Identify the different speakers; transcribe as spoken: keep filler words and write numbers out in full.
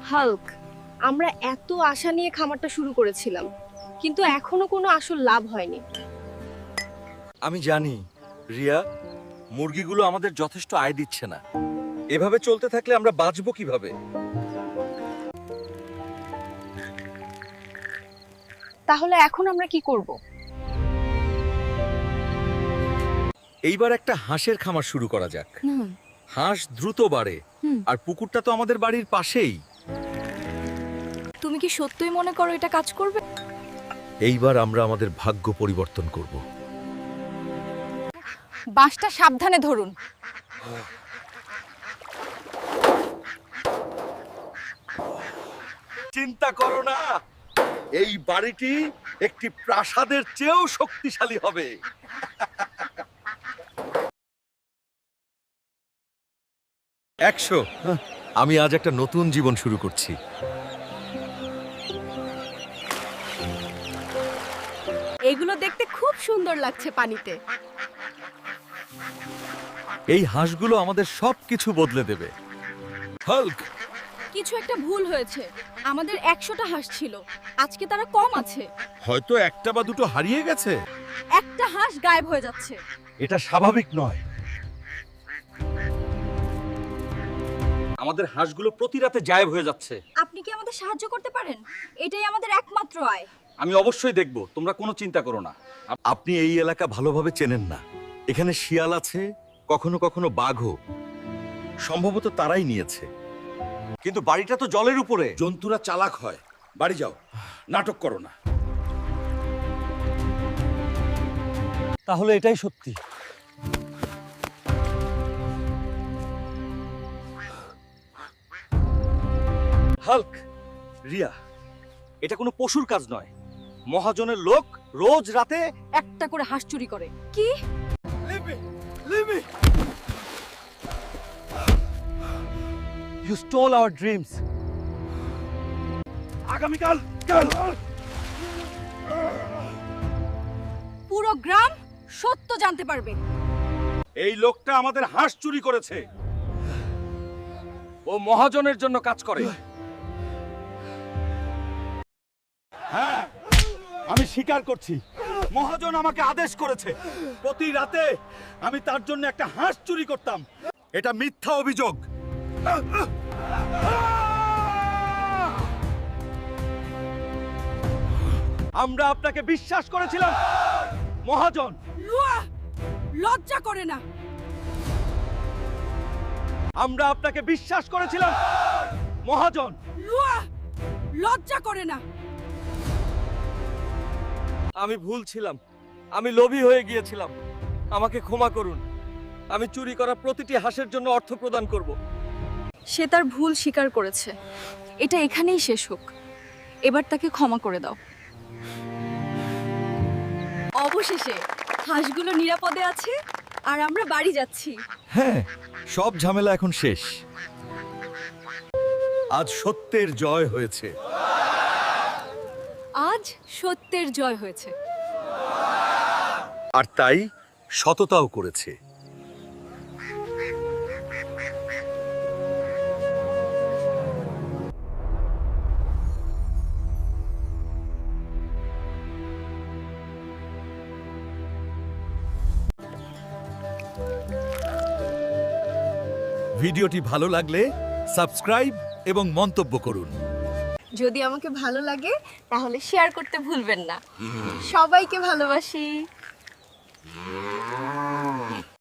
Speaker 1: Hulk, আমরা এত আশা নিয়ে খামারটা শুরু করেছিলাম, কিন্তু এখনো কোনো আসল লাভ হয়নি।
Speaker 2: আমি জানি রিয়া, মুরগিগুলো আমাদের যথেষ্ট আয় দিচ্ছে না। এভাবে চলতে থাকলে আমরা বাঁচবো কিভাবে?
Speaker 1: তাহলে এখন আমরা কি করব?
Speaker 2: এইবার একটা হাঁসের খামার শুরু করা যাক। হাঁস দ্রুত বাড়ে, আর পুকুরটা তো আমাদের বাড়ির পাশেই।
Speaker 1: তুমি কি সত্যিই মনে করো এটা কাজ করবে?
Speaker 2: এইবার আমরা আমাদের ভাগ্য পরিবর্তন করব।
Speaker 1: বাঁশটা সাবধানে ধরুন।
Speaker 2: চিন্তা করো না, এই বাড়িটি একটি প্রাসাদের চেয়েও শক্তিশালী হবে। একশো। আমি আজ একটা নতুন জীবন শুরু করছি।
Speaker 1: এগুলো দেখতে খুব সুন্দর লাগছে পানিতে।
Speaker 2: এই হাঁসগুলো আমাদের সবকিছু বদলে দেবে। হাল্ক,
Speaker 1: কিছু একটা ভুল হয়েছে। আমাদের একশোটা হাঁস ছিল, আজকে তারা কম আছে।
Speaker 2: হয়তো একটা বা দুটো হারিয়ে গেছে।
Speaker 1: একটা হাঁস গায়েব হয়ে যাচ্ছে।
Speaker 2: এটা স্বাভাবিক নয়। আমাদের হাঁসগুলো প্রতি রাতে গায়েব হয়ে যাচ্ছে।
Speaker 1: আপনি কি আমাদের সাহায্য করতে পারেন? এটাই আমাদের একমাত্র আয়।
Speaker 2: আমি অবশ্যই দেখব, তোমরা কোনো চিন্তা করো না। আপ- আপনি এই এলাকা ভালোভাবে চেনেন না। এখানে শিয়াল আছে, কখনো কখনো বাঘও। সম্ভবত তারাই নিয়েছে। কিন্তু বাড়িটা তো জলের উপরে।
Speaker 3: জন্তুরা চালাক হয়। বাড়ি যাও, নাটক করো না।
Speaker 2: তাহলে এটাই সত্যি। হাল্ক, রিয়া, এটা কোনো পশুর কাজ নয়। মহাজনের লোক রোজ রাতে
Speaker 1: একটা করে হাঁস চুরি করে। কি?
Speaker 2: You stole our dreams.
Speaker 3: আগামীকাল কাল
Speaker 1: পুরো গ্রাম সত্য জানতে পারবে।
Speaker 3: এই লোকটা আমাদের হাঁস চুরি করেছে। ও মহাজনের জন্য কাজ করে। হ্যাঁ, আমি স্বীকার করছি। মহাজন আমাকে আদেশ করেছে, প্রতি রাতে আমি তার জন্য একটা হাঁস চুরি করতাম।
Speaker 2: এটা মিথ্যা অভিযোগ।
Speaker 3: আমরা আপনাকে বিশ্বাস করেছিলাম মহাজন।
Speaker 1: লজ্জা করে না।
Speaker 3: আমরা আপনাকে বিশ্বাস করেছিলাম মহাজন।
Speaker 1: লজ্জা করে না।
Speaker 2: আমি ভুল ছিলাম, আমি লোভী হয়ে গিয়েছিলাম। আমাকে ক্ষমা করুন। আমি চুরি করা প্রতিটি হাঁসের জন্য অর্থ প্রদান করব।
Speaker 1: সে তার ভুল স্বীকার করেছে। এটা এখানেই শেষ হোক। এবার তাকে ক্ষমা করে দাও। অবশেষে হাঁসগুলো নিরাপদে আছে, আর আমরা বাড়ি যাচ্ছি।
Speaker 2: হ্যাঁ, সব ঝামেলা এখন শেষ। আজ সত্যের জয় হয়েছে।
Speaker 1: আজ সত্যের জয় হয়েছে।
Speaker 2: আর তাই সততাও করেছে। ভিডিওটি ভালো লাগলে সাবস্ক্রাইব এবং মন্তব্য করুন।
Speaker 1: যদি আমাকে ভালো লাগে তাহলে শেয়ার করতে ভুলবেন না। সবাইকে ভালোবাসি।